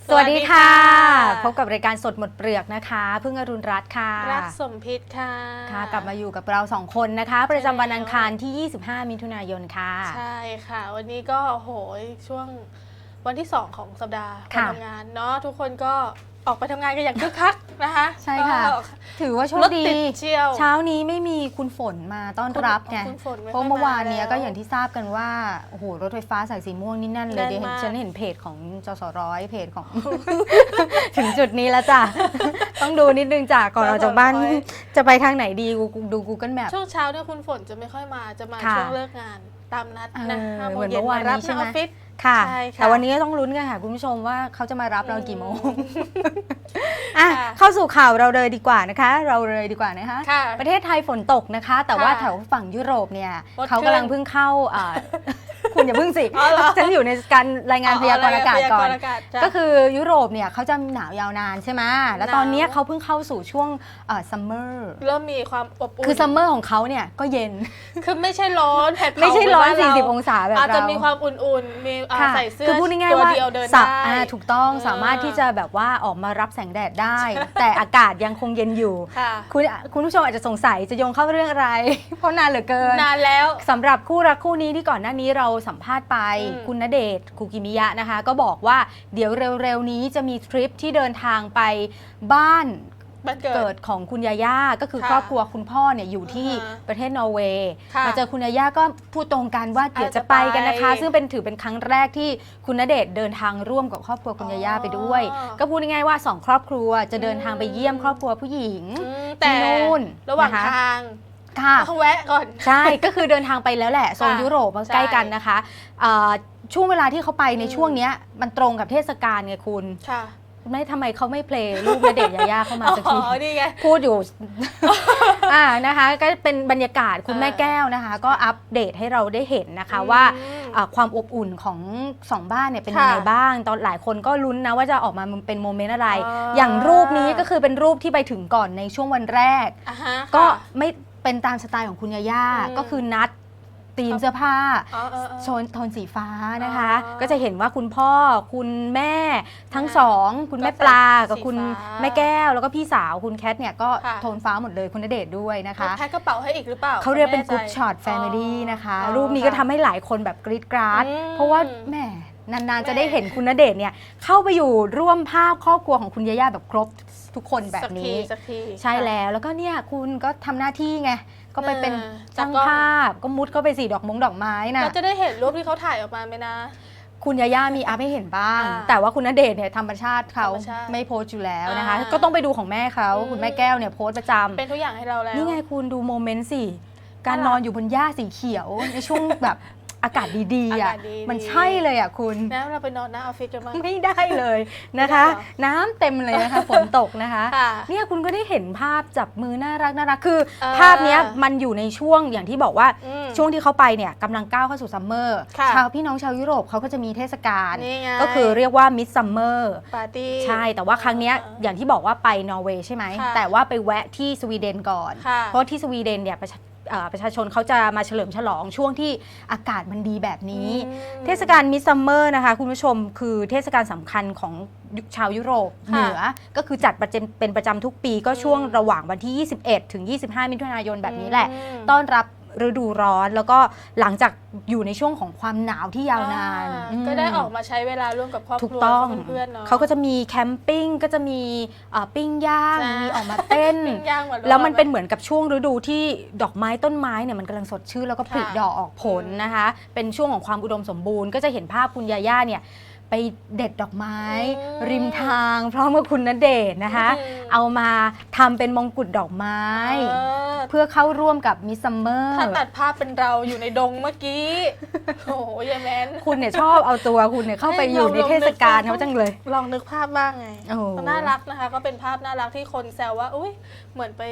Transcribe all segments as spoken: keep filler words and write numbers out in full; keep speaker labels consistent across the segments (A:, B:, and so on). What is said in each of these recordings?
A: สวัสดีค่ะพบกับรายการสดหมดเปลือกนะคะพึ่งอรุณรัตน์ค่ะ
B: รักสมพิษค่ะ
A: ค่ะกลับมาอยู่กับเราสองคนนะคะประจำวันอังคารที่ยี่สิบห้ามิถุนายนค่ะ
B: ใช่ค่ะวันนี้ก็โหยช่วงวันที่สองของสัปดาห์การทำงานเนาะทุกคนก็ออกไปทำงานกันอย่างคึกคักนะคะ
A: ใช่ค่ะถือว่าโชคดีเช้านี้ไม่มีคุณฝนมาต้อนรับไงเพราะเมื่อวานนี้ก็อย่างที่ทราบกันว่าโอ้โหรถไฟฟ้าสายสีม่วงนี่แน่นเลยเดี๋ยวฉันเห็นเพจของจสร้อยเพจของ ถึงจุดนี้แล้วจ้ะต้องดูนิดนึงจ้ะก่อนออกจากบ้านจะไปทางไหนดีดู Google Map
B: ช่วงเช้าเนี่ยคุณฝนจะไม่ค่อยมาจะมาช่วงเลิกงานตามนัดนะห้าโมงเย็นมารับที่ออฟฟิศ
A: ค่ะแต่วันนี้ต้องลุ้นกันค่ะคุณผู้ชมว่าเขาจะมารับเรากี่โมงอ่ะเข้าสู่ข่าวเราเลยดีกว่านะคะเราเลยดีกว่านะคะประเทศไทยฝนตกนะคะแต่ว่าแถวฝั่งยุโรปเนี่ยเขากำลังเพิ่งเข้าคุณอย่าเพิ่งสิฉันอยู่ในการรายงานพยากรณ์อากาศก่อนก็คือยุโรปเนี่ยเขาจะหนาวยาวนานใช่ไหมแล้วตอนนี้เขาเพิ่งเข้าสู่ช่วงซัมเมอร์
B: เริ่มมีความอบอุ่น
A: คือซัมเมอร์ของเขาเนี่ยก็เย็น
B: คือไม่ใช่ร้อนแผดเผา
A: ไม่ใช่ร้อนสี่สิบองศาแบบเรา
B: อาจจะมีความอุ่นๆมีใส่เสื้อตัวเดียวเดินได้
A: ถูกต้องสามารถที่จะแบบว่าออกมารับแสงแดดได้ แต่อากาศยังคงเย็นอยู่คุณคุณผู้ชมอาจจะสงสัยจะโยงเข้าเรื่องอะไรเพราะนานเหลือเกิน
B: นานแล้ว
A: สำหรับคู่รักคู่นี้ที่ก่อนหน้านี้เราสัมภาษณ์ไปคุณณเดชน์คุกิมิยะนะคะก็บอกว่าเดี๋ยวเร็วๆนี้จะมีทริปที่เดินทางไปบ้านเกิดของคุณยาย่าก็คือครอบครัวคุณพ่อเนี่ยอยู่ที่ประเทศนอร์เวย์มาเจอคุณยาย่าก็พูดตรงกันว่าเดี๋ยวจะไปกันนะคะซึ่งเป็นถือเป็นครั้งแรกที่คุณณเดชน์เดินทางร่วมกับครอบครัวคุณยาย่าไปด้วยก็พูดง่ายๆว่าสองครอบครัวจะเดินทางไปเยี่ยมครอบครัวผู้หญิงที่นู่น
B: ระหว่างทาง
A: ค่ะ
B: ต้องแวะก่อน
A: ใช่ก็คือเดินทางไปแล้วแหละโซนยุโรปมันใกล้กันนะคะช่วงเวลาที่เขาไปในช่วงนี้มันตรงกับเทศกาลไงคุณไม่ทำไมเขาไม่เพลย์รูปณเดชน์ยาย่าเข้ามาสักทีพูดอยู่อ่านะคะก็เป็นบรรยากาศคุณแม่แก้วนะคะก็อัปเดตให้เราได้เห็นนะคะว่าความอบอุ่นของสองบ้านเนี่ยเป็นยังไงบ้างตอนหลายคนก็ลุ้นนะว่าจะออกมาเป็นโมเมนต์อะไรอย่างรูปนี้ก็คือเป็นรูปที่ไปถึงก่อนในช่วงวันแรกก็ไม่เป็นตามสไตล์ของคุณยาย่าก็คือนัดธีมเสื้อผ้าโทนโทนสีฟ้านะคะก็จะเห็นว่าคุณพ่อคุณแม่ทั้งสองคุณแม่ปลากับคุณแม่แก้วแล้วก็พี่สาวคุณแคทเนี่ยก็โทนฟ้าหมดเลยคุณณเดชน์ด้วยนะคะ
B: แพ็คกระเป๋าให้อีกหรือเปล่า
A: เขาเรียกเป็นกรุ๊ปช็อตแฟมิลี่นะคะรูปนี้ก็ทำให้หลายคนแบบกรี๊ดกราดเพราะว่าแม่นานๆจะได้เห็นคุณณเดชน์เนี่ยเข้าไปอยู่ร่วมภาพครอบครัวของคุณยาย่าแบบครบทุกคนแบบนี้ใช่แล้วแล้วก็เนี่ยคุณก็ทำหน้าที่ไงก็ไปเป็นช่างภาพก็มุดเข้าไปสีดอกมงดอกไม้นะ
B: เราจะได้เห็นรูปที่เขาถ่ายออกมาไหมนะ
A: คุณยาย่ามีอัพให้เห็นบ้างแต่ว่าคุณณเดชน์เนี่ยธรรมชาติเขาไม่โพสต์อยู่แล้วนะคะก็ต้องไปดูของแม่เขาคุณแม่แก้วเนี่ยโพสต์ประจำ
B: เป็นทุกอย่างให้เราแล้ว
A: นี่ไงคุณดูโมเมนต์สิการนอนอยู่บนหญ้าสีเขียวในช่วงแบบอากาศดีๆอ่ะมันใช่เลยอ่ะคุณ
B: แล้วเราไปนอนหน้าออฟฟิศกันบ้าง
A: ไม่ได้เลยนะคะน้ำเต็มเลยนะคะฝนตกนะคะเนี่ยคุณก็ได้เห็นภาพจับมือน่ารักน่ารักคือภาพนี้มันอยู่ในช่วงอย่างที่บอกว่าช่วงที่เขาไปเนี่ยกำลังก้าวเข้าสู่ซัมเมอร์ชาวพี่น้องชาวยุโรปเขาก็จะมีเทศกาลก็คือเรียกว่ามิดซัมเมอร์
B: ปาร์ตี้
A: ใช่แต่ว่าครั้งนี้อย่างที่บอกว่าไปนอร์เวย์ใช่ไหมแต่ว่าไปแวะที่สวีเดนก่อนเพราะที่สวีเดนเนี่ยประชาชนเขาจะมาเฉลิมฉลองช่วงที่อากาศมันดีแบบนี้เทศกาลมิดซัมเมอร์นะคะคุณผู้ชมคือเทศกาลสำคัญของชาวยุโรปเหนือก็คือจัดประจำเป็นประจำทุกปีก็ช่วงระหว่างวันที่ยี่สิบเอ็ดถึงยี่สิบห้ามิถุนายนแบบนี้แหละต้อนรับฤดูร้อนแล้วก็หลังจากอยู่ในช่วงของความหนาวที่ยาวนาน
B: ก็ได้ออกมาใช้เวลาร่วมกับครอบครัวเพื่อนๆเนาะ
A: เขาก็จะมีแคมปิ้งก็จะมีปิ้งย่างมีออกมาเต้นแล้วมันเป็นเหมือนกับช่วงฤดูที่ดอกไม้ต้นไม้เนี่ยมันกำลังสดชื่นแล้วก็ผลิดอกออกผลนะคะเป็นช่วงของความอุดมสมบูรณ์ก็จะเห็นภาพคุณยาย่าเนี่ยไปเด็ดดอกไม้ริมทางพร้อมกับคุณณเดชน์นะคะเอามาทำเป็นมงกุฎดอกไม้เพื่อเข้าร่วมกับมิสซัมเมอร์
B: ถ้าตัดภาพเป็นเราอยู่ในดงเมื่อกี้โอ้ยยายแมน
A: คุณเนี่ยชอบเอาตัวคุณเนี่ยเข้าไปอยู่ในเทศกาลเขาจังเลย
B: ลองนึกภาพบ้างไงน่ารักนะคะก็เป็นภาพน่ารักที่คนแซวว่าอุ้ยเหมือนไป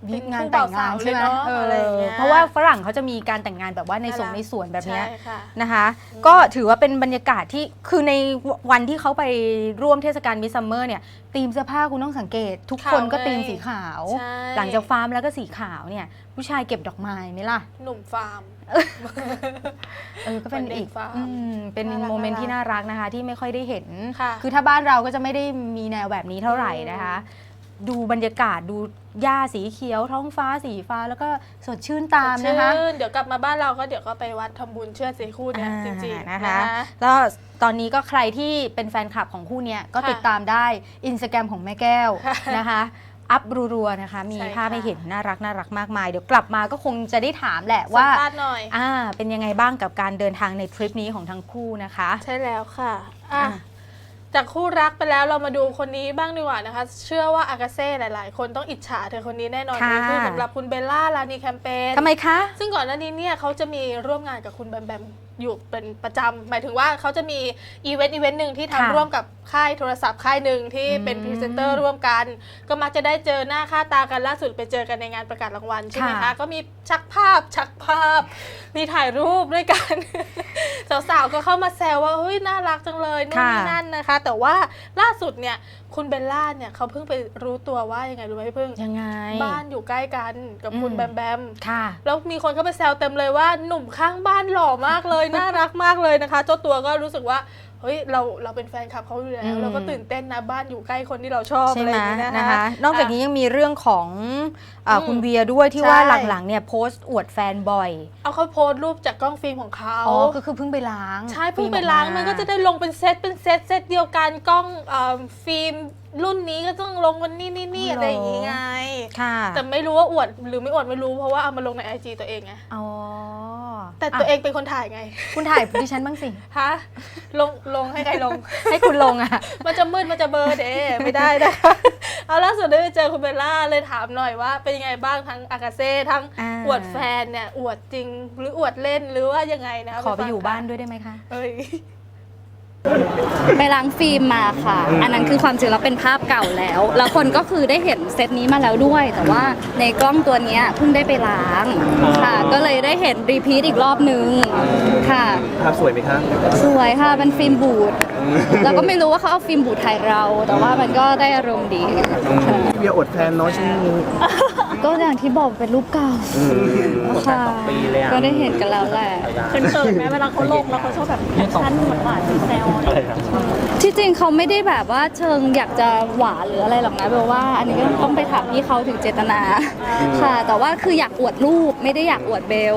A: วิงานแต่งงานใช่ไหมเออเพราะว่าฝรั่งเขาจะมีการแต่งงานแบบว่าในสวนในสวนแบบนี้นะคะก็ถือว่าเป็นบรรยากาศที่คือในวันที่เขาไปร่วมเทศกาลมิดซัมเมอร์เนี่ยธีมเสื้อผ้าคุณต้องสังเกตทุกคนก็ธีมสีขาวหลังจากฟาร์มแล้วก็สีขาวเนี่ยผู้ชายเก็บดอกไม้ไหมล่ะ
B: หนุ่มฟาร์ม
A: เออก็เป็นอีกเป็นโมเมนต์ที่น่ารักนะคะที่ไม่ค่อยได้เห็นคือถ้าบ้านเราก็จะไม่ได้มีแนวแบบนี้เท่าไหร่นะคะดูบรรยากาศดูหญ้าสีเขียวท้องฟ้าสีฟ้าแล้วก็สดชื่นตามนะคะ
B: เดี๋ยวกลับมาบ้านเราก็เดี๋ยวก็ไปวัดทำบุญเชื่อสีคู่เนี่ยจริงๆนะคะ
A: แล้วตอนนี้ก็ใครที่เป็นแฟนคลับของคู่นี้ก็ติดตามได้อินสตาแกรมของแม่แก้วนะคะอัพรัวๆนะคะมีภาพให้เห็นน่ารักน่ารักมากมายเดี๋ยวกลับมาก็คงจะได้ถามแหละว่าอ่าเป็นยังไงบ้างกับการเดินทางในทริปนี้ของทั้งคู่นะคะ
B: ใช่แล้วค่ะอ่ะจากคู่รักไปแล้วเรามาดูคนนี้บ้างดีกว่านะคะเชื่อว่าอากาเซ่หลายๆคนต้องอิจฉาเธอคนนี้แน่นอนคือสำหรับคุณเบลล่าลานีแคมเปญ
A: ทำไมคะ
B: ซึ่งก่อนหน้านี้เนี่ยเขาจะมีร่วมงานกับคุณแบมแบมอยู่เป็นประจำหมายถึงว่าเขาจะมีอีเวนต์อีเวนต์หนึ่งที่ทำร่วมกับค่ายโทรศัพท์ค่ายหนึ่งที่เป็นพรีเซนเตอร์ร่วมกันก็มักจะได้เจอหน้าค่าตากันล่าสุดไปเจอกันในงานประกาศรางวัลใช่ไหมคะก็มีชักภาพชักภาพมีถ่ายรูปด้วยกันสาวๆก็เข้ามาแซวว่าเฮ้ยน่ารักจังเลยนู่นนี่นั่นนะคะแต่ว่าล่าสุดเนี่ยคุณเบลล่าเนี่ยเขาเพิ่งไปรู้ตัวว่ายังไงรู้ไหมพี่พึ่ง
A: ยังไง
B: บ้านอยู่ใกล้กันกับคุณแบมแบม
A: ค่ะ
B: แล้วมีคนเข้าไปแซวเต็มเลยว่าหนุ่มข้างบ้านหล่อมากเลยน่ารักมากเลยนะคะเจ้าตัวก็รู้สึกว่าเฮ้ยเราเราเป็นแฟนคลับเขาอยู่แล้วเราก็ตื่นเต้นนะบ้านอยู่ใกล้คนที่เราชอบอะไรอย่างนี้นะคะ
A: นอกจากนี้ยังมีเรื่องของคุณเวียด้วยที่ว่าหลังๆเนี่ยโพสต์อวดแฟนบ่อย
B: เอาเขาโพสต์รูปจากกล้องฟิล์มของเขา
A: อ๋อก็คือเพิ่งไปล้าง
B: ใช่เพิ่งไปล้างมันก็จะได้ลงเป็นเซตเป็นเซตเซตเดียวกันกล้องฟิล์มรุ่นนี้ก็ต้องลงวันนี้นี่นี่อะไรอย่างงี้ไงแต่ไม่รู้ว่าอวดหรือไม่อวดไม่รู้เพราะว่าเอามาลงใน ไอ จี ตัวเองไง
A: อ๋อ
B: แต่ตัวเองเป็นคนถ่ายไง
A: คุณถ่ายดิฉันบ้างสิ
B: ฮะลงลงให้ใครลง
A: ให้คุณลงอ่ะ
B: มันจะมืดมันจะเบลอเด้ไม่ได้นะเอาล่าสุดได้ไปเจอคุณเบลล่าเลยถามหน่อยว่าเป็นยังไงบ้างทั้งอากาเซ่ทั้งอวดแฟนเนี่ยอวดจริงหรืออวดเล่นหรือว่ายังไงนะ
A: ขอไปอยู่บ้านด้วยได้ไหมคะ
B: เอ้ย
C: ไปล้างฟิล์มมาค่ะอันนั้นคือความจริงแล้วเป็นภาพเก่าแล้วแล้วคนก็คือได้เห็นเซตนี้มาแล้วด้วยแต่ว่าในกล้องตัวนี้เพิ่งได้ไปล้างค่ะก็เลยได้เห็นรีพีทอีกรอบนึงค่ะ
D: ภาพสวยไหมคะ
C: สวยค่ะเป็นฟิล์มบูดแล้วก็ไม่รู้ว่าเขาเอาฟิล์มบูดถ่ายเราแต่ว่ามันก็ได้อารมณ์ดี
D: เบียร์อดแฟนน้อยช่วงนี้
C: ก็อย่างที่บอกเป็นรูปเก่าค่ะก็ได้เห็นกันแล้วแหละ
B: เขินๆไหมเวลาเขาลงแล้วเขาชอบแบบแคปชั่นหวานๆแซว
C: ที่จริงเขาไม่ได้แบบว่าเชิงอยากจะหวานหรืออะไรหรอกนะเบลว่าอันนี้ก็ต้องไปถามพี่เขาถึงเจตนาค่ะแต่ว่าคืออยากอวดรูปไม่ได้อยากอวดเบล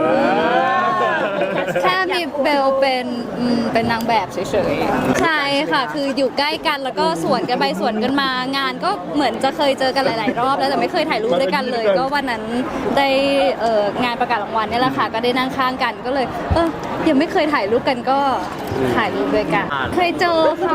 C: แค่มีเบลเป็นเป็นนางแบบเฉยๆใช่ค่ะคืออยู่ใกล้กันแล้วก็สวนกันไปสวนกันมางานก็เหมือนจะเคยเจอกันหลายๆรอบแล้วแต่ไม่เคยถ่ายรูปด้วยกันเลยก็วันนั้นได้งานประกาศรางวัลนี่แหละค่ะก็ได้นั่งข้างกันก็เลยเออยังไม่เคยถ่ายรูปกันก็ถ่ายรูปด้วยกันเคยเจอค่ะ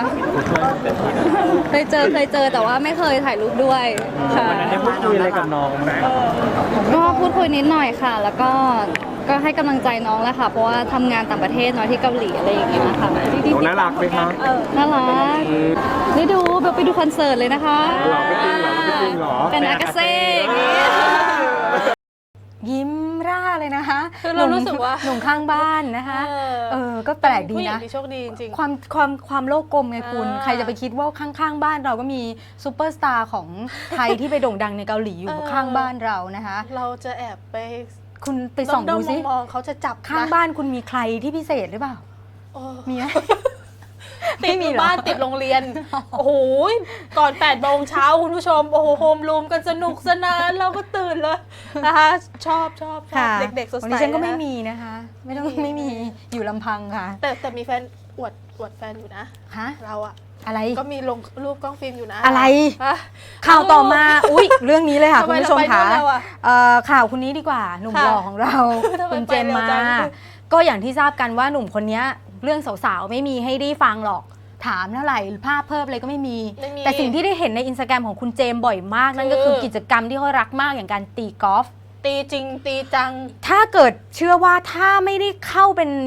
C: เคยเจอเคยเจอแต่ว่าไม่เคยถ่ายรูปด้วยค่ะ
D: ได้พูดคุยอะไรกับน้องไหม
C: ก็พูดคุยนิดหน่อยค่ะแล้วก็ก็ให้กำลังใจน้องแหละค่ะเพราะว่าทำงานต่างประเทศเนาะที่เกาหลีอะไรอย่างเงี้ยค่ะ
D: น้องน่ารักไหมคะ
C: น่ารักได้ดูไปดูคอนเสิร์ตเลยนะคะ
D: หรอไม่จริงหรอไม่จริงหรอ
C: เป็นอากาเซ่อย่างเงี้ย
A: ยิ้มร่าเลยนะคะ
B: คือเรารู้สึกว่า
A: หนุ่มข้างบ้านนะคะเออก็แปลกดีนะ
B: โชคดีจริง
A: ความความความโลกกลมไงคุณใครจะไปคิดว่าข้างๆบ้านเราก็มีซูเปอร์สตาร์ของไทยที่ไปโด่งดังในเกาหลีอยู่ข้างบ้านเรานะคะ
B: เราจะแอบไป
A: คุณไปส่องดูสิ
B: มองเขาจะจับ
A: ข้างบ้านคุณมีใครที่พิเศษหรือเปล่ามีไหม
B: ติดบ้านติดโรงเรียนโอ้โหก่อนแปดโมงเช้าคุณผู้ชมโอ้โหโฮมรูมกันสนุกสนานเราก็ตื่นเลยนะคะชอบชอบชอบเด็กๆสดใส
A: วันนี้ฉันก็ไม่มีนะคะไม่ต้องไม่มีอยู่ลำพังค่ะ
B: แต่แต่มีแฟนอวดอวดแฟนอยู่นะ
A: ฮะ
B: เราอะ
A: อะไร
B: ก็มีลงรูปกล้องฟิล์มอยู่นะ
A: อะไรข่าวต่อมาอุ้ยเรื่องนี้เลยค่ะคุณผู้ชมค่ะข่าวคนนี้ดีกว่าหนุ่มหล่อของเราคุณเจมมาก็อย่างที่ทราบกันว่าหนุ่มคนนี้เรื่องสาวๆไม่มีให้ได้ฟังหรอกถามเท่าไหร่ภาพเพิ่มอะไรก็ไม่มีแต่สิ่งที่ได้เห็นในอินสตาแกรมของคุณเจมบ่อยมากนั่นก็คือกิจกรรมที่เขารักมากอย่างการตีกอล์ฟ
B: ตีจริงตีจัง
A: ถ้าเกิดเชื่อว่าถ้าไม่ได้เข้าเป็น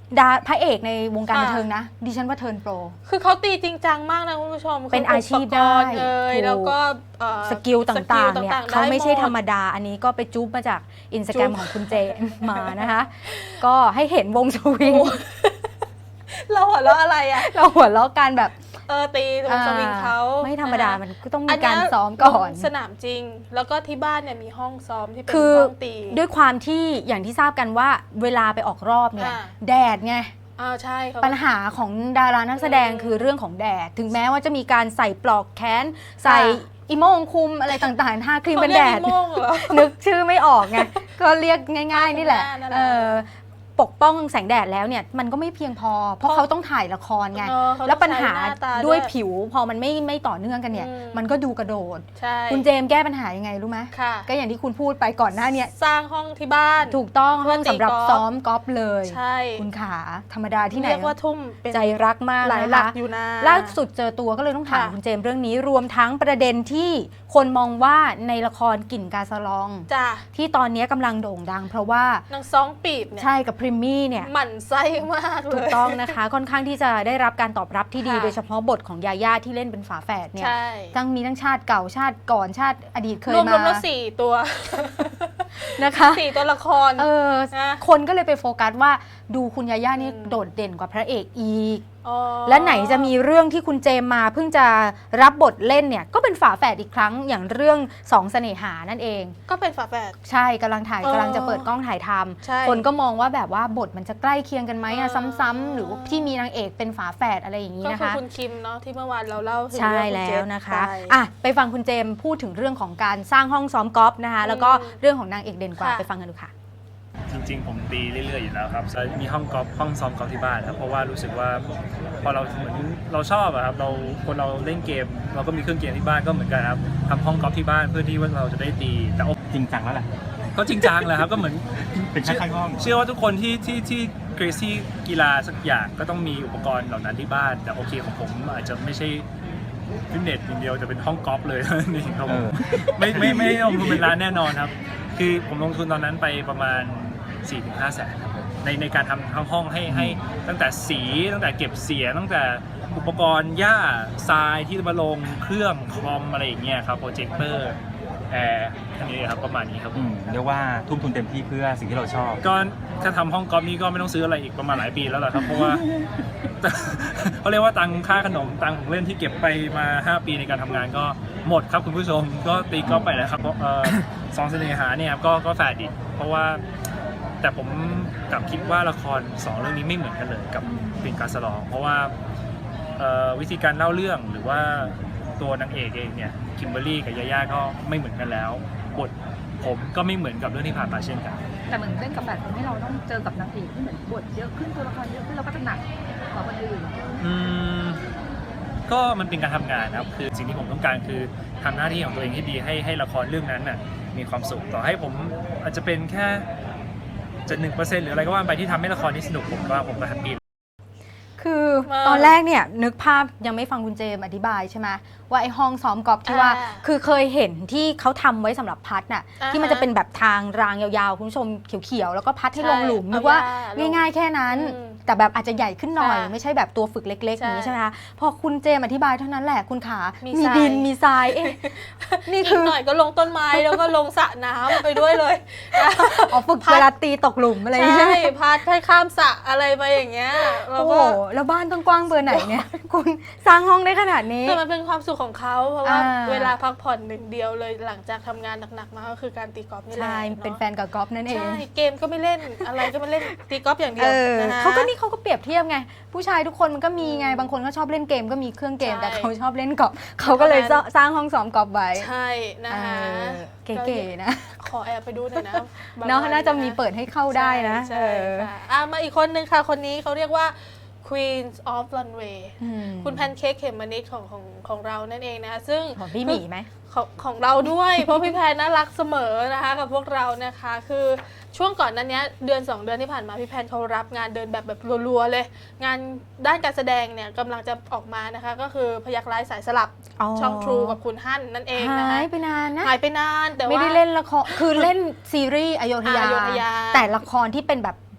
A: ดาพระเอกในวงการบันเทิงนะ ดิฉันว่าเทิร์นโปร
B: คือเขาตีจริงจังมากนะคุณผู้ชม
A: เป็นอาชีพได้
B: อุปกรณ์เอ่ยแล้วก็เอ่อ
A: สกิลต่างๆเนี่ย
B: สกิล
A: เขาไม่ใช่
B: ด้ห
A: ธรรมดา อันนี้ก็ไปจุ๊บมาจากอินสตาแกรม
B: จุ๊บ
A: ของคุณเจมมานะคะ ก็ให้เห็นวงสวิง
B: เราหัวเราะอะไรอ่ะ
A: เราหัวเราะกันแบบ
B: เออตีวงสวิงเขา
A: ไม่ธรรมดา มันก็ต้อง
B: อั
A: มี
B: นเนี้ย
A: การซ้อมก่อน
B: สนามจริง แล้วก็ที่บ้านเนี่ยมีห้องซ้อมที่เป็น
A: คือ
B: ห้องตี
A: ด้วยความที่อย่างที่ทราบกันว่าเวลาไปออกรอบเนี่ย
B: อ่า
A: แดดไง
B: อ่าใช่เขา
A: ปัญหาของดารานักแสดง
B: อืม
A: คือเรื่องของแดด ถึงแม้ว่าจะมีการใส่ปลอกแขน ใส่อีโมงคุมอะไรต่างๆทาครีม
B: เขา
A: เป็น
B: เรี
A: แด
B: ยก
A: ด
B: อีโม่งเหรอ
A: นึกชื่อไม่ออกไง ก็เรียกง่ายๆนี่แหละ
B: หน้านั่นแหละ
A: เออปกป้องแสงแดดแล้วเนี่ยมันก็ไม่เพียงพอ เพราะ
B: เพราะ
A: เขาต้องถ่ายละครไง
B: เออเขาต้อง
A: แล้วปัญหา
B: ใช้หน้าตา
A: ด้วย
B: ด้วย
A: ผิวพอมันไม่ไม่ต่อเนื่องกันเนี่ย
B: อืม
A: มันก็ดูกระโดด
B: ใช่
A: คุณเจมส์แก้ปัญหายังไงรู้ไหม
B: ค่ะ
A: ก็อย่างที่คุณพูดไปก่อนหน้าเนี้
B: สร้างห้องที่บ้าน
A: ถูกต้อง
B: เพื่
A: ห้
B: อ
A: อง
B: ตี
A: สำหรับ
B: กอล์ฟ
A: ซ้อมกอล์ฟเลย
B: ใช่
A: คุณขาธรรมดาที่ไหน
B: เรียกว่าทุ่มเป็น
A: ใจรักมาก
B: หลาย
A: นะคะ
B: หลักอยู่นะ
A: ล่าสุดเจอตัวก็เลยต้องถาม
B: ค่ะ
A: คุณเจมส์เรื่องนี้รวมทั้งประเด็นที่คนมองว่าในละครกลิ่นกาสะลอง
B: จ้ะ
A: ที่ตอนนี้กำลังโด่งดัง เพราะว่าน
B: างซองปีบเนี่ย
A: ใช่กับพริมมี่เนี่ย
B: หมั่นไส้มากเล
A: ถูก
B: ย
A: ต้องนะคะ ค่อนข้างที่จะได้รับการตอบรับที่ดี
B: ค่ะ
A: โดยเฉพาะบทของยาย่าที่เล่นเป็นฝาแฝดเนี่ย
B: ใช่
A: ทั้งมีทั้งชาติเก่าชาติก่อนชาติอดีตเคย
B: รวม
A: มาร
B: วมแล้วสี่ตัว
A: นะคะ
B: สี่ตัวละคร
A: เออ
B: นะ
A: คนก็เลยไปโฟกัสว่าดูคุณยาย่านี่
B: อืม
A: โดดเด่นกว่าพระเอกอีก
B: อ๋อ
A: และไหนจะมีเรื่องที่คุณเจมมาเพิ่งจะรับบทเล่นเนี่ยก็เป็นฝาแฝดอีกครั้งอย่างเรื่องสองเสน่หานั่นเอง
B: ก็เป็นฝาแฝด
A: ใช่กำลังถ่าย
B: เออก
A: ำลังจะเปิดกล้องถ่ายท
B: ใช่
A: ำคนก็มองว่าแบบว่าบทมันจะใกล้เคียงกันไหมอะ
B: เออ
A: ซ้ำๆหรือว่าที่มีนางเอกเป็นฝาแฝดอะไรอย่างนี้
B: ก็
A: นะ
B: คือ
A: คะ
B: คุณคิมเนาะที่เมื่อวานเราเล่าถึง
A: ใช่
B: เรื่องคุณ
A: แล้
B: เจ
A: ว
B: ษ
A: นะคะ
B: ไป
A: อ่ะไปฟังคุณเจมพูดถึงเรื่องของการสร้างห้องซ้อมกอล์ฟนะคะแล้วก็
B: อืม
A: เรื่องของนางเอกเด่นกว่า
B: ค่ะ
A: ไปฟังกันดูค่ะ
E: จริงๆ ผมตีเรื่อยๆ อยู่แล้วครับแล้วมีห้องกอล์ฟห้องซ้อมกอล์ฟที่บ้านครับเพราะว่ารู้สึกว่าพอเราเหมือนเราชอบอะครับเราคนเราเล่นเกม เราก็มีเครื่องเกมที่บ้านก็เหมือนกันครับทำห้องกอล์ฟที่บ้านเพื่อที่ว่าเราจะได้ตีแต่โอ้
D: จริงจังแล้วแหละ
E: ก็จริงจังแหละครับก็เหมือน
D: เป็นแค่ข้างห้อง
E: เชื่อว่าทุกคนที่ที่ที่เกรซี่กีฬาสักอย่างก็ต้องมีอุปกรณ์เหล่านั้นที่บ้าน แต่โอเคของผมอาจจะไม่ใช่ฟิตเนสอย่างเดียวจะเป็นห้องกอล์ฟเลย นี่ครับผมไม่ไม่ไม่ได้ลงทุนเป็นร้านแน่นอนครับคือผมลงทุนตอนนั้นไปประมาณ สี่ถึงห้า แสนครับผมในในการทำทั้งห้องให้ให้ตั้งแต่สีตั้งแต่เก็บเสียงตั้งแต่อุปกรณ์หญ้าทรายที่มาลงเครื่องคอมอะไรอย่างเงี้ยครับโปรเจคเตอร์แอร์อันนี้ครับประมาณนี้ครับ
F: อืมเรียกว่าทุ่มทุนเต็มที่เพื่อสิ่งที่เราชอบ
E: ก็ถ้าทำห้องกอล์ฟนี้ก็ไม่ต้องซื้ออะไรอีกประมาณหลายปีแล้วแหละครับเพราะว่า เขาเรียกว่าตังค่าขนมตังของเล่นที่เก็บไปมาห้าปีในการทำงานก็หมดครับคุณผู้ชมก็ตีกอล์ฟไปแล้วครับเพราะเอ่อสองเสน่หาเนี่ยครับก็ก็แฟร์ดิเพราะว่าแต่ผมกลับคิดว่าละครสองเรื่องนี้ไม่เหมือนกันเลยกับปิ่นกาสลอง เพราะว่าเอ่อวิธีการเล่าเรื่องหรือว่าตัวนางเอกเองเนี่ยคิมเบอรรี่กับยาย่าก็ไม่เหมือนกันแล้วบทผมก็ไม่เหมือนกับเรื่องที่ผ่านมาเช่นกัน
G: แต่เหมือนเล่นกับแบบทำให้เราต้องเจอกับนางเอกที่เหมือนบทเยอะขึ้นตัวละครเยอะขึ้นเราก็จะหนักกว่าคนอื่น
E: อืมก็มันเป็นการทำงานนะครับคือสิ่งที่ผมต้องการคือทำหน้าที่ของตัวเองให้ดีให้ให้ละครเรื่องนั้นน่ะมีความสุขต่อให้ผมอาจจะเป็นแค่จะหนึ่งเปอร์เซ็นต์หรืออะไรก็ว่าไปที่ทำให้ละครนี้สนุกผมก็ผมก็แฮปปี้
A: คือ
B: มา
A: ตอนแรกเนี่ยนึกภาพยังไม่ฟังคุณเจมอธิบายใช่ไหมว่าไอ้ห้องซ้อมกอล์ฟที่ว่า
B: อ่า
A: คือเคยเห็นที่เขาทำไว้สำหรับพัดน่ะ
B: อ่าฮะ
A: ที่มันจะเป็นแบบทางรางยาวๆ คุณผู้ชมเขียวๆ แล้วก็พัดให้
B: ใช่
A: ลงหลุม
B: เอา
A: นึกว่า
B: หญ้าลง
A: ง่ายๆแค่นั้น
B: อืม
A: แต่แบบอาจจะใหญ่ขึ้นหน่อย
B: ค่ะ
A: ไม่ใช่แบบตัวฝึกเล็กๆอย่างนี้ใช่ไหมคะพอคุณเจมอธิบายเท่านั้นแหละคุณขา
B: มี
A: มี
B: ทราย
A: ดินมีทรายเอ๊ะนี่
B: อี
A: คื
B: ก
A: อ
B: หน่อยก็ลงต้นไม้แล้วก็ลงสระน้ำไปด้วยเลย
A: อ๋อฝึกเวลาตีตกหลุมอะไรอย่าง
B: ใช่
A: เงี้ย
B: พัดให้ข้ามสระอะไรไปอย่างเงี้ยแล้ว
A: โอ้โห
B: ก็
A: แล้วบ้านต้องกว้างเบอร์ไหนเนี่ย คุณสร้างห้องได้ขนาดนี้
B: แต่มันเป็นความสุขของเขาเพราะว่า
A: อ่า
B: เวลาพักผ่อนหนึ่งเดียวเลยหลังจากทำงานหนักๆมาก็คือการตีกอล์ฟนี่แหละ
A: ใช่
B: อะ
A: เป็นแฟนกับกอล์ฟนั่นเอง
B: ใช่เกมก็ไม่เล่นอะไรก็ไม่เล่นตีกอล์ฟอย่างเดีย
A: เอ
B: ว
A: อ
B: นะคะ
A: เขาก็นี่เขาก็เปรียบเทียบไง ผู้ชายทุกคนมันก็มีไง
B: อืม
A: บางคนก็ชอบเล่นเกมก็มีเครื่องเกม
B: ใช่
A: แต่เขาชอบเล่นกอล์ฟเขาก็เลย
B: เพราะฉะนั้น
A: สร้างห้องซ้อมกอล์ฟไว้
B: ใช่นะคะ
A: เออเก๋ๆนะ
B: ขอแอบไปดูหน่อยนะบง
A: เนาะ
B: วั
A: น่าจะมีเปิดให้เข้าได้นะ
B: ใช่
A: เออ
B: ค่ะอ่ะมาอีกคนนึงค่ะ คนนี้เขาเรียกว่า Queens of Runway
A: อืม
B: คุณแพนเค้กเขมมะนิดของของของเรานั่นเองนะคะซึ่ง
A: ของพี่หมีไหม
B: ของของเราด้วย เพราะพี่แพนน่ารักเสมอนะคะกับพวกเรานะคะคือช่วงก่อนนั้นเนี้ยเดือนสองเดือนที่ผ่านมาพี่แพนเขารับงานเดินแบบแบบรัวๆเลย งานด้านการแสดงเนี่ยกำลังจะออกมานะคะก็คือพยักร้ายสายสลับ
A: อ๋อ
B: ช่อง True กับคุณฮั่นนั่นเองนะ
A: หา
B: คะ
A: ยไปนานนะ
B: หายไปนานแต่ว่า
A: ไม่ได้เล่นละคร คือเล่นซีรีส์อโยธยา
B: อโยธยา
A: แต่ละครที่เป็นแบบ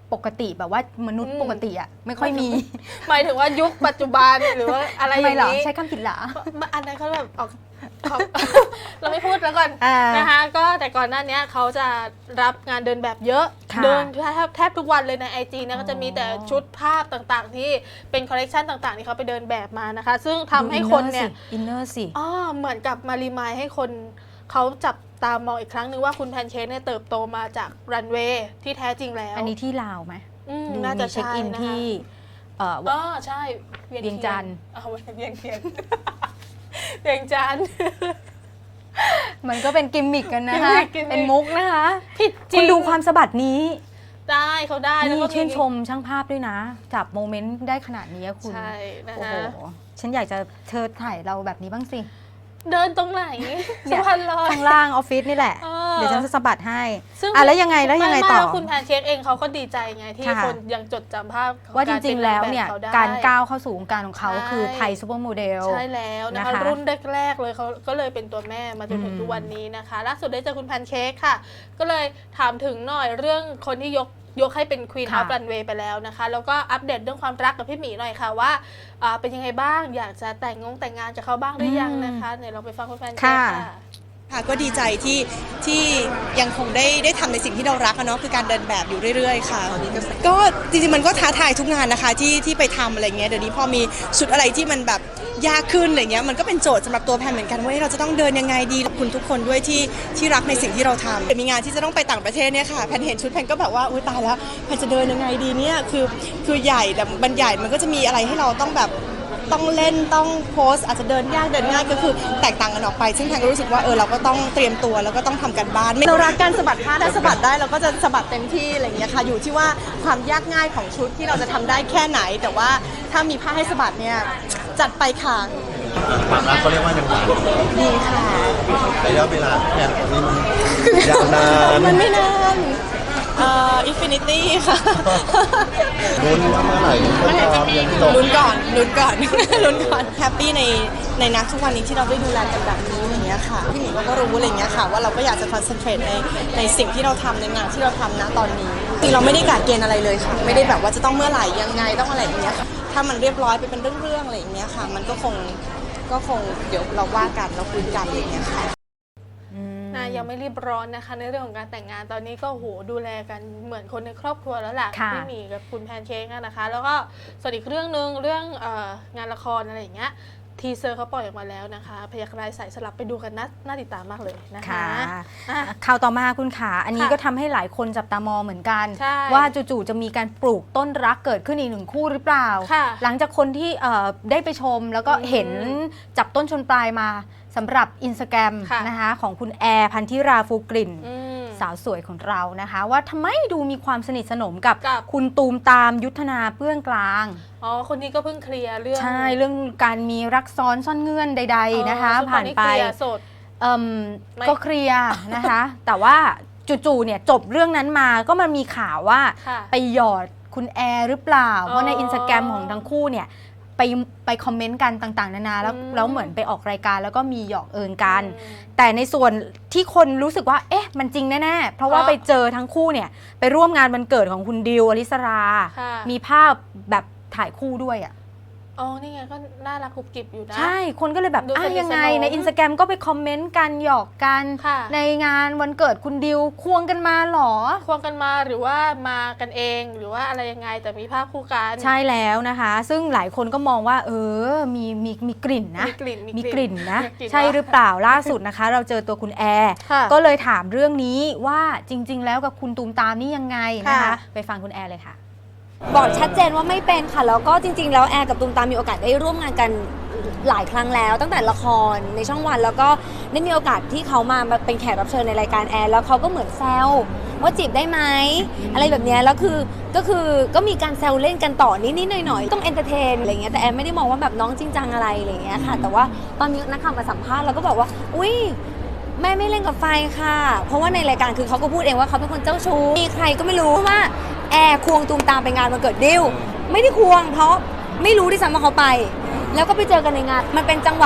A: ปกติแบบว่ามนุษย์
B: อืม
A: ปกติอะไม่ค่อยมี
B: หมายถึงว่ายุคปัจจุบันหรือว่าอะไรอ
A: ทำไม
B: ย่าง
A: เหรอ
B: นี้
A: ใช้คำผิดเหรอ
B: อันนั้นเขาแบบออกเขา เราไม่พูดแล้วก่อน
A: อ่าน
B: นะคะก็แต่ก่อนหน้านี้เขาจะรับงานเดินแบบเยอะ
A: ค่ะ
B: เดินแทบแทบทุกวันเลยในไอจีนะ
A: อ๋อ
B: ก็จะมีแต่ชุดภาพต่างๆ ที่เป็นคอลเลกชันต่างๆ ที่เขาไปเดินแบบมานะคะ ซึ่งทำให้คนเนี่ย
A: อินเนอร์สิ
B: อ๋อเหมือนกับมารีมายให้คนเขาจับตามองอีกครั้งหนึ่งว่าคุณแพนเค้กเนี่ยเติบโตมาจากรันเวย์ที่แท้จริงแล้ว
A: อันนี้ที่ลาวไหม
B: อืม
A: ดู
B: น่าจะ
A: มีเช็ค
B: ใช่
A: อิน
B: นะคะ
A: ที่เอ่อ
B: อ๋อใช่
A: เวียงจันทร์
B: เอาไว้เวียงเทียน เวียงจันทร์
A: มันก็เป็นกิมมิกกันนะคะ
B: กิมมิกกิมมิก
A: เป็นมุกนะคะ
B: ผิดจริ
A: คุ
B: ง
A: ณดูความสะบัดนี้
B: ได้เขาได้แล้ว
A: นี่
B: ก็
A: ชื่นชมช่างภาพด้วยนะ จับโมเมนต์ได้ขนาดนี้อะคุณ
B: ใช่นะ
A: โอ้โห
B: คะ
A: ฉันอยากจะเชิญถ่ายเราแบบนี้บ้างสิ
B: เดินตรงไหน
A: เนี่
B: สุ
A: ย
B: พรรณลอย
A: ข้างล่างออฟฟิศนี่แหละ
B: เออ
A: เดี๋ยวฉันจะสะบัดให้
B: ซึ่ง
A: อ่ะแล้วยังไงแล้วยังไง
B: ม่ม่
A: ต่อ
B: แล้วคุณแพนเค้กเองเขาก็ดีใจไงที่
A: ค่ะ
B: คนยังจดจำภาพของ
A: ว่าจ
B: ก
A: ริง ๆ แล้วเนี่ย
B: ป็แบบขได้
A: การก้าวเข้าสู่วงการของเขา
B: ใช่
A: คือไทยซูเปอร์โมเดล
B: ใช่แล้วนะคะ
A: นะคะ
B: รุ่นแรกๆเลยเขาก็เลยเป็นตัวแม่มาจนถึง
A: อืม
B: ทุกวันนี้นะคะล่าสุดได้เจอคุณแพนเค้กค่ะ ก็เลยถามถึงหน่อยเรื่องคนที่ยกยกให้เป็นควีนอ
A: ค่ะ
B: อฟรันเวย์ไปแล้วนะคะ แล้วก็อัปเดตเรื่องความรักกับพี่หมีหน่อยค่ะว่าอ่าเป็นยังไงบ้างอยากจะแต่งงงแต่งงานกับเขาบ้างหรือยังนะคะเดี๋ยวเราไปฟังคุณแพนเค้ก
A: ค่ะ
B: ค่ะ
H: ค่ะก็ดีใจที่ที่ยังคงได้ได้ทำในสิ่งที่เรารักอะเนาะคือการเดินแบบอยู่เรื่อยๆค่ะก็จริงๆมันก็ท้าทายทุกงานนะคะที่ที่ไปทำอะไรเงี้ยเดี๋ยวนี้พอมีชุดอะไรที่มันแบบยากขึ้นอะไรเงี้ยมันก็เป็นโจทย์สำหรับตัวแพนเหมือนกันว่าเราจะต้องเดินยังไงดีขอบคุณทุกคนด้วยที่ที่รักในสิ่งที่เราทำเดี๋ยวมีงานที่จะต้องไปต่างประเทศเนี่ยค่ะแพนเห็นชุดแพนก็แบบว่าอุ้ยตายแล้วแพนจะเดินยังไงดีเนี่ยคือคือใหญ่แต่มันใหญ่มันก็จะมีอะไรให้เราต้องแบบ ต้องเล่นต้องโพสอาจจะเดินยากเดินง่ายก็คือแตกต่างกันออกไปซึ่งแพนก็รู้สึกว่าเออเราก็ต้องเตรียมตัวแล้วก็ต้องทำกันบ้านเรารักการสะบัดผ้าถ้าสะบัดได้เราก็จะสะบัดเต็มที่อะไรอย่างเงี้ยค่ะอยู่ที่ว่าความยากง่ายของชุดที่เราจะทำได้แค่ไหน แต่ว่าถ้ามีผ้าให้สะบัดเนี่ยจัดไปค่ะ
I: ความรักเขาเรียกว่ายังไง
H: ดีค่ะ
I: ระยะเวลาเนี่ยนี่มันยาวนาน
H: มันไม่นานเอ่ออินฟินิตี้ค่ะ
I: ลุ้นว่าเมื่อไหร่จะตามยังจบ
H: ลุ้นก่อนลุ้นก่อน ลุ้นก่อนแฮปปี้ในในนักทุกวันนี้ที่เราได้ดูแลกันแบบนี้อย่างเงี้ยค่ะพี่หมีก็รู้อะไรเงี้ยค่ะว่าเราก็อยากจะคอนเซนเทรตในในสิ่งที่เราทำในงานที่เราทำณตอนนี้จริงเราไม่ได้กะเกณฑ์อะไรเลยค่ะไม่ได้แบบว่าจะต้องเมื่อไหร่ยังไงต้องอะไรอย่างเงี้ยค่ะถ้ามันเรียบร้อยไปเป็นเรื่องๆอะไรอย่างเงี้ยค่ะมันก็คงก็คงเดี๋ยวเราว่ากันเราคุยกันอะไรอย่างเงี้ยค่ะ
B: นะยังไม่รีบร้อนนะคะในเรื่องของการแต่งงานตอนนี้ก็โหดูแลกันเหมือนคนในครอบครัวแล้วแหละ
A: ค่ะ
B: พี่หมีกับคุณแพนเค้กอะนะคะ แล้วก็ส่วนอีกเรื่องหนึ่งเรื่องเอองานละครอะไรอย่างเงี้ยทีเซอร์เขาปล่อยออกมาแล้วนะคะพยัคฆ์ร้ายสายสลับไปดูกันนะน่าติดตามมากเลยนะคะ
A: ค่ะ
B: อ่ะ
A: ข่าวต่อมาคุณขาอันนี้
B: ค่ะ
A: ก็ทำให้หลายคนจับตามองเหมือนกัน
B: ใช่
A: ว่าจู่ๆจะมีการปลูกต้นรักเกิดขึ้นอีกหนึ่งคู่หรือเปล่า
B: ค่ะ
A: หลังจากคนที่เอ่อได้ไปชมแล้วก็
B: อืม
A: เห็นจับต้นชนปลายมาสำหรับอินสตาแกรม
B: ค่ะ
A: นะคะของคุณแอร์พันธิราฟูกลิ่น
B: อืม
A: สาวสวยของเรานะคะ ว่าทำไมดูมีความสนิทสนมกับ
B: กับ
A: คุณตูมตามยุทธนาเปื้องกลาง
B: อ๋อคนนี้ก็เพิ่งเคลียร์เรื่อง
A: ใช่เรื่องการมีรักซ้อนซ่อนเงื่อนใด ๆนะคะ
B: อ๋อซึ่ง
A: ผ่านไป
B: ตอเคลียร์สด
A: เอิ่ม
B: ไม่
A: ก็เคลียร์นะคะ แต่ว่าจู่ๆเนี่ยจบเรื่องนั้นมาก็มันมีข่าวว่า
B: ค่ะ
A: ไปหยอดคุณแอร์หรือเปล่า
B: อ๋อ
A: เพราะในอินสตาแกรมของทั้งคู่เนี่ยไปไปคอมเมนต์กันต่างๆ นานาแล้ว
B: อืม
A: แล้วเหมือนไปออกรายการแล้วก็มีหยอกเอิญกัน
B: อืม
A: แต่ในส่วนที่คนรู้สึกว่าเอ๊ะมันจริงแน่ๆเพราะว่า
B: เพราะ
A: ไปเจอทั้งคู่เนี่ยไปร่วมงานวันเกิดของคุณดิวอลิสรา
B: ค่ะ
A: มีภาพแบบถ่ายคู่ด้วยอ่ะ
B: อ๋อนี่ไงก็น่ารักกรุบกริบอยู่นะ
A: ใช่ คนก็เลยแบบ
B: ดู
A: อ่ะ
B: สนิท
A: ยังไง
B: สนม
A: ในอินสตาแกรมก็ไปคอมเมนต์กันหยอกกัน
B: ค่ะ
A: ในงานวันเกิดคุณดิวควงกันมาเหรอ
B: ควงกันมาหรือว่ามากันเองหรือว่าอะไรยังไงแต่มีภาพคู่กัน
A: ใช่แล้วนะคะ ซึ่งหลายคนก็มองว่า เออ มีมีมีกลิ่นนะ
B: มีกลิ่น
A: มีกลิ่นนะ
B: กลิ่น
A: ใช่หรือเปล่าล่าสุดนะคะ เราเจอตัวคุณแอร์
B: ค่ะ
A: ก็เลยถามเรื่องนี้ว่าจริง ๆ แล้วกับคุณตูมตามนี่ยังไงนะคะ
B: ค่ะ
A: ไปฟังคุณแอร์เลยค่ะ
C: บอกชัดเจนว่าไม่เป็นค่ะ แล้วก็จริงๆ แล้วแอร์กับตูมตามมีโอกาสได้ร่วมงานกันหลายครั้งแล้ว ตั้งแต่ละครในช่องวัน แล้วก็ได้มีโอกาสที่เขามาเป็นแขกรับเชิญในรายการแอร์แล้วเขาก็เหมือนแซวว่าจีบได้ไหมอะไรแบบเนี้ยแล้วคือก็คือก็มีการแซวเล่นกันต่อนิดๆหน่อยๆต้องเอนเตอร์เทนอะไรเงี้ยแต่แอร์ไม่ได้มองว่าแบบน้องจริงจังอะไรอะไรเงี้ยค่ะแต่ว่าตอนมีนักข่าวมาสัมภาษณ์เราก็บอกว่าอุ้ยแม่ไม่เล่นกับไฟค่ะ เพราะว่าในรายการคือเขาก็พูดเองว่าเขาเป็นคนเจ้าชู้มีใครก็ไม่รู้ว่าแอร์ควงตูมตามไปงานวันเกิดดิวไม่ได้ควงเพราะไม่รู้ที่ซ้ำว่าเขาไป แล้วก็ไปเจอกันในงานมันเป็นจังหวะ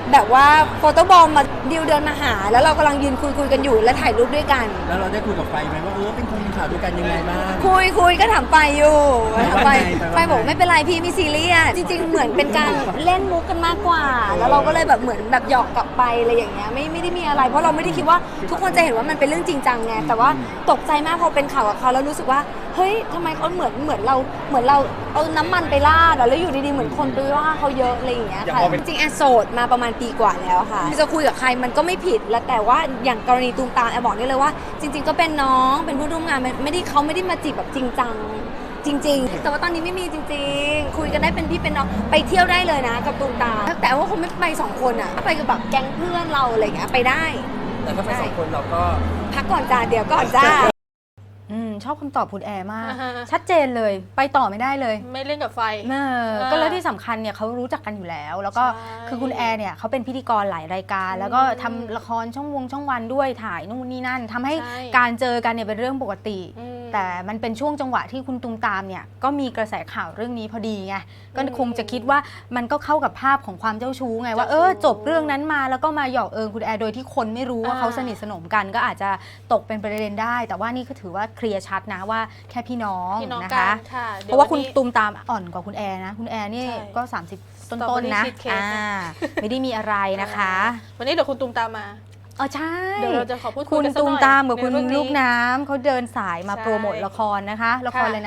J: แบบว่าโฟโต้บอมมาดิวเดินมาหา แล้วเรากำลังยืนคุยคุยกันอยู่แล้วถ่ายรูปด้วยกัน
I: แล้วเราได้คุยกับไฟไหมว่าเออเป็นคนมีข่าวด้วยกันยังไงบ้าง
J: คุยคุยก็ถามไปอยู่ถามไป
I: ว่าไง
J: ไปบอกไม่เป็นไรพี่มีซีรีส์อะจริง ๆ เหมือนเป็นการเล่นมุกกันมากกว่า แล้วเราก็เลยแบบเหมือนแบบหยอกกลับไปอะไรอย่างเงี้ยไม่ไม่ได้มีอะไร เพราะเราไม่ได้คิดว่าทุกคนจะเห็นว่ามันเป็นเรื่องจริงจังไงแต่ว่าตกใจมากพอเป็นข่าวกับเขาแล้วรู้สึกว่าเฮ้ยทำไมเขาเหมือนเหมือนเราเหมือนเราเอาน้ำมันไปราดอะแล้วอยู่ดีๆเหมือนคนไปว่าเขาเยอะอะไรอย่างเงี้ยค่ะจริงๆแอนโสดมาประมาณปีกว่าแล้วค่ะจะคุยกับใครมันก็ไม่ผิดแล้วแต่ว่าอย่างกรณีตูมตามแอนบอกได้เลยว่า จริง ๆ ก็เป็นน้องเป็นผู้ร่วมงานไม่ได้เขาไม่ได้มาจีบแบบจริงจังจริง ๆ แต่ว่าตอนนี้ไม่มีจริง ๆ คุยกันได้เป็นพี่เป็นน้องไปเที่ยวได้เลยนะกับตูมตามแต่ว่าคงไม่ไปสองคนอะไปกับแบบแก๊งเพื่อนเราอะไรอย่างเงี้ยไปได้
I: แต่ถ้าไปสองคนเราก็
J: พักก่อนจ้าเดี๋ยวก่อนจ้า
A: อืมชอบคำตอบคุณแอร์มาก
B: อ่าฮะ
A: ชัดเจนเลยไปต่อไม่ได้เลย
B: ไม่เล่นกับไฟ
A: เออ
B: เออ
A: ก็แล้วที่สำคัญเนี่ยเขารู้จักกันอยู่แล้ว แล้วก็
B: ใช่
A: คือคุณแอร์เนี่ยเขาเป็นพิธีกรหลายรายการ แล้วก็ทำละครช่องวงช่องวันด้วยถ่ายนู่นนี่นั่นทำให้
B: ใช่
A: การเจอกันเนี่ยเป็นเรื่องปกติ
B: อืม
A: แต่มันเป็นช่วงจังหวะที่คุณตุมตามเนี่ยก็มีกระแสข่าวเรื่องนี้พอดีไงก็
B: อืม
A: คงจะคิดว่ามันก็เข้ากับภาพของความเจ้าชู้ไงว่า
B: เจ้าชู้
A: เออจบเรื่องนั้นมาแล้วก็มาหยอกเอิญคุณแอร์โดยที่คนไม่รู้ว่า
B: อ่า
A: เขาสนิทสนมกันก็อาจจะตกเป็นประเด็นได้ แต่ว่านี่ก็ถือว่าเคลียร์ชัดนะว่าแค่พี่น้อง
B: พี่น้อง
A: นะ
B: กั
A: คะ
B: นค่ะ
A: เพราะว่าคุณ
B: ดี๋ยนนี้
A: ตูมตามอ่อนกว่าคุณแอร์นะ คุณแอร์นี่
B: ใช่
A: ก็ สามสิบ ต้น
B: Strawberry
A: ๆนะ
B: Cheesecake
A: อ่า
B: นะ
A: ไม่ได้มีอะไรนะคะ
B: วันนี้เดี๋ยวคุณตูมตามมา
A: เออใช่
B: เดี๋ยวเราจะขอพูดคุ
A: คุ
B: ย
A: ณ
B: กันสัก
A: ตู
B: ห
A: ม
B: น่อย
A: ตามกับ
B: ใน
A: คุณ
B: เรื่องนี้
A: ลูกน้ำเขาเดินสายมา
B: ใช่
A: โปรโมทละครนะคะ ละคร
B: ค่ะ
A: เลยนะ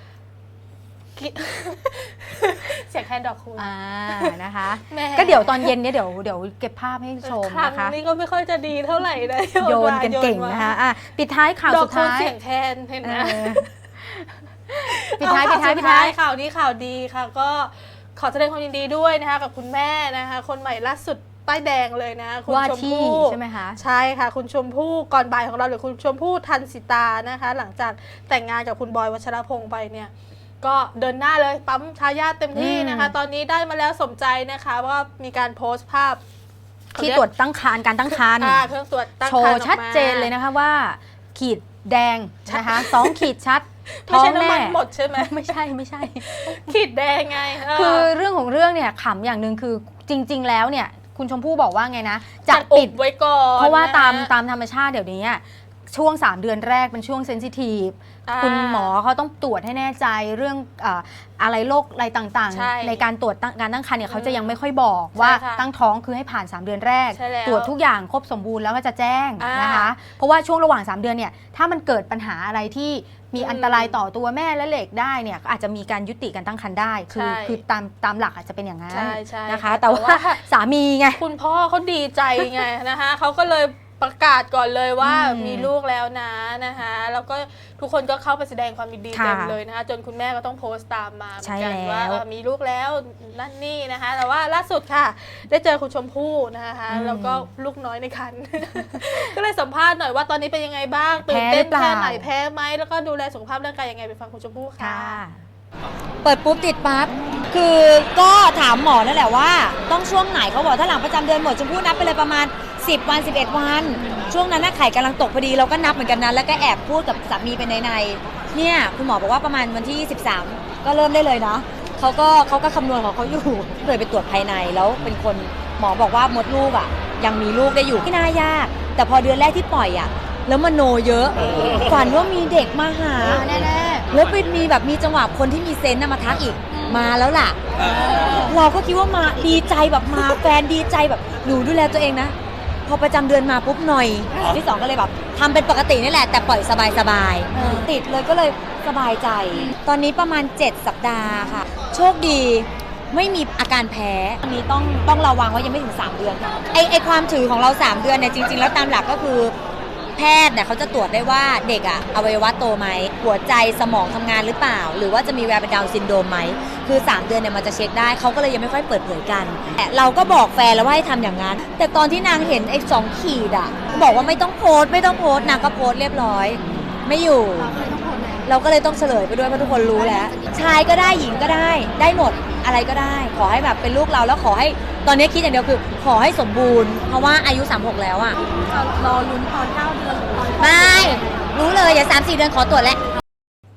B: เสียงแคนดอกคุณ
A: อ่านะคะ
B: แหม่
A: ก็เดี๋ยวตอนเย็นเนี่ยเดี๋ยวเดี๋ยวเก็บภาพให้ชม
B: ครั้ง
A: นะคะ
B: นี้ก็ไม่ค่อยจะดีเท่าไหร่นะ
A: โยนกันเก่งนะคะอ่ะปิดท้ายข่าว
B: ดอ
A: สุ
B: ก
A: ด
B: คูณ
A: ท้าย
B: เสียงแคนเห็นไหม
A: เออปิดท้าย
B: เอ
A: ปิดท้าย
B: ข่ว
A: ปิดท้าย
B: ข่าวนี้ข่าวดีค่ะ ก็ขอแสดงความยินดีด้วยนะคะกับคุณแม่นะคะคนใหม่ล่าสุดป้ายแดงเลยนะคุณ
A: ว่า
B: ชม
A: ที่
B: พู่
A: ใช่ไหมคะ
B: ใช่ค่ะ คุณชมพู่ก่อนบ่ายของเราหรือคุณชมพู่ทันสิตานะคะ หลังจากแต่งงานกับคุณบอยวัชรพงษ์ไปเนี่ยก็เดินหน้าเลยปั๊มทายาทเต็มที่นะคะ ตอนนี้ได้มาแล้วสมใจนะคะว่ามีการโพสต์ภาพ
A: ที่ตรวจตั้งครรภ์การตั้งครรภ์
B: อ่าเครื่องตรวจตั้ง
A: โช
B: ครรภ์
A: ว์ชัดเจนเลยนะคะว่า ขีดแดงนะคะสองขีดชัด
B: ไม่
A: ท้อ
B: ใช่
A: ง
B: น้ำ
A: แม่
B: มันหมดใช่ไหม
A: ไม่ใช่ไม่ใช่
B: ขีดแดงไงเ
A: คือเรื่องของเรื่องเนี่ยขำอย่างหนึ่งคือจริง ๆ แล้วเนี่ยคุณชมพู่บอกว่าไงนะจะ
B: จัดอุ
A: ปิ
B: บ
A: ด
B: ไว้ก่อน
A: เพราะว่าตาม
B: นค
A: ตามธรรมชาติเดี๋ยวนี้อะช่วงสามเดือนแรกเป็นช่วงเซนซิทีฟ
B: อ่า
A: คุณหมอเขาต้องตรวจให้แน่ใจเรื่องเอ่ออะไรโรคอะไรต่าง
B: ใช่
A: ๆ ในการตรวจตั้งการตั้งครรภ์เนี่ยเขาจะ
B: อืม
A: ยังไม่ค่อยบอกว่า
B: ใช่ค่ะ
A: ตั้งท้องคือให้ผ่านสามเดือนแรก
B: ใช่แล้ว
A: ตรวจทุกอย่างครบสมบูรณ์แล้วก็จะแจ้ง
B: อ่าน
A: นะคะเพราะว่าช่วงระหว่างสามเดือนเนี่ยถ้ามันเกิดปัญหาอะไรที่มี
B: อืม
A: อันตรายต่อตัวแม่และเด็กได้เนี่ยก็อาจจะมีการยุติการตั้งครรภ์ได้คือ
B: ใช่
A: คือตามตามหลักอาจจะเป็นอย่างนั้น
B: ใช่ใช่
A: นะคะ
B: ค่ะ
A: แต่ว่า
B: แต่ว่า
A: สามีไง
B: คุณพ่อเขาดีใจไงนะคะเขาก็เลยประกาศก่อนเลยว่า
A: อืม
B: มีลูกแล้วนะนะคะแล้วก็ทุกคนก็เข้าไปแสดงความยินดี
A: ค่ะ
B: เต็มเลยนะคะจนคุณแม่ก็ต้องโพสต์ตามมาเหมือนกัน
A: ใช่แล้ว
B: ว่าเออมีลูกแล้วนั่นนี่นะคะ แต่ว่าล่าสุดค่ะ ได้เจอคุณชมพู่นะคะแล้วก็ลูกน้อยในครรภ์ ก็เลยสัมภาษณ์หน่อยว่าตอนนี้เป็นยังไงบ้างตื่นเต้น
A: แพ้หรือเปล่า
B: แค่ไหนแพ้ไหมแล้วก็ดูแลสุขภาพร่างกายยังไงไปฟังคุณชมพู่ค่ะ
A: ค่ะ
J: เปิดปุ๊บติดปั๊บ คือก็ถามหมอนั่นแหละว่าต้องช่วงไหนเขาบอกถ้าหลังประจำเดือนหมดชมพู่นับไปเลยประมาณสิบวันสิบเอ็ดวัน ช่วงนั้นน่ะไข่กำลังตกพอดีเราก็นับเหมือนกันนะแล้วก็แอบพูดกับสามีไปในในๆเนี่ยคุณหมอบอกว่าประมาณวันที่สิบสามก็เริ่มได้เลยนะเขาก็เขาก็คำนวณของเขาอยู่เลยไปตรวจภายในแล้วเป็นคนหมอบอกว่ามดลูกอ่ะยังมีลูกได้อยู่ไม่น่ายาก แต่พอเดือนแรกที่ปล่อยอ่ะแล้วมโนเยอะฝันว่ามีเด็กมาหา
A: แน่
J: แล้วเป็นมีแบบมีจังหวะคนที่มีเซนต์น่ะมาทักอีกมาแล้วล่ะ เราก็คิดว่ามาดีใจแบบมาแฟนดีใจแบบหนูดูแลตัวเองนะ พอประจำเดือนมาปุ๊บหน่อยที่สองก็เลยแบบทำเป็นปกตินี่แหละแต่ปล่อยสบายสบายๆติดเลยก็เลยสบายใจ ตอนนี้ประมาณเจ็ดสัปดาห์ค่ะ โชคดีไม่มีอาการแพ้อันนี้ต้องต้องระวังว่ายังไม่ถึงสามเดือนไอไอความถือของเราสามเดือนเนี่ยจริง ๆ แล้วตามหลักก็คือ แพทย์เนี่ยเขาจะตรวจได้ว่าเด็กอะอวัยวะโตไหมหัวใจสมองทำงานหรือเปล่า หรือว่าจะมีแวร์เป็นดาวน์ซินโดรมไหมคือสามเดือนเนี่ยมันจะเช็คได้เขาก็เลยยังไม่ค่อยเปิดเผยกันแต่เราก็บอกแฟนแล้วว่าให้ทำอย่างนั้น แต่ตอนที่นางเห็นไอ้สองขีดอะบอกว่าไม่ต้องโพสต์ไม่ต้องโพสต์นางก็โพสต์เรียบร้อย ไม่อยู่ เราก็เลยต้องเฉลยไปด้วยเพราะทุกคนรู้แล้วชายก็ได้หญิงก็ได้ได้หมดอะไรก็ได้ ขอให้แบบเป็นลูกเราแล้วขอให้ตอนนี้คิดอย่างเดียวคือขอให้สมบูรณ์เพราะว่าอายุสามสิบหกแล้วอะ
G: รอลุ้นตอนเก้าเดือนหรือตอน
J: ไม่รู้เลยอย่าสามสี่เดือนขอตรวจแล้ว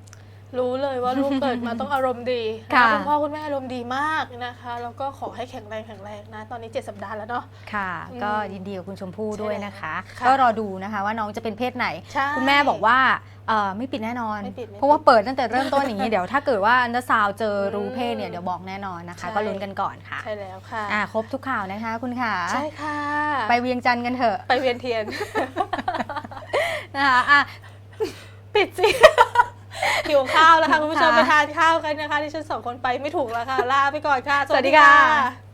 B: รู้เลยว่าลูกเกิดมาต้องอารมณ์ดี
A: ค่ะ
B: คุณพ่อคุณแม่อารมณ์ดีมากนะคะแล้วก็ขอให้แข็งแรงแข็งแรงนะตอนนี้เจ็ดสัปดาห์แล้วเนาะ
A: ค่ะ
B: อืม
A: ก็ยินดีกับคุณชมพู่ด้วยนะคะ
B: ค่ะ
A: ก็รอดูนะคะว่าน้องจะเป็นเพศไหน
B: ใช่
A: คุณแม่บอกว่าเอ่อไม่ปิดแน่นอน
B: ไม่ปิดไม่ปิด
A: เพราะว่าเปิดตั้งแต่เริ่มต้นอย่างนี้ เดี๋ยวถ้าเกิดว่าอันเดอร์ซาวเจอรู้เพศเนี่ยเดี๋ยวบอกแน่นอนนะคะ
B: ใช่
A: ก็ลุ้นกันก่อนค่ะ
B: ใช่แล้วค่ะ
A: อ่าครบทุกข่าวนะคะคุณค่ะ
B: ใช่ค่ะ
A: ไปเวียงจันทร์กันเถอะ
B: ไปเวียนเทียน
A: นะคะอ่ะ
B: ปิดสิ หิวข้าวแล้วค่ะคุณผู้ชม
A: ค่ะ
B: ไปทานข้าวกันนะคะที่ฉันสองคนไปไม่ถูกแล้วค่ะ ลาไปก่อนค่ะ
A: สวัสดีค่ะ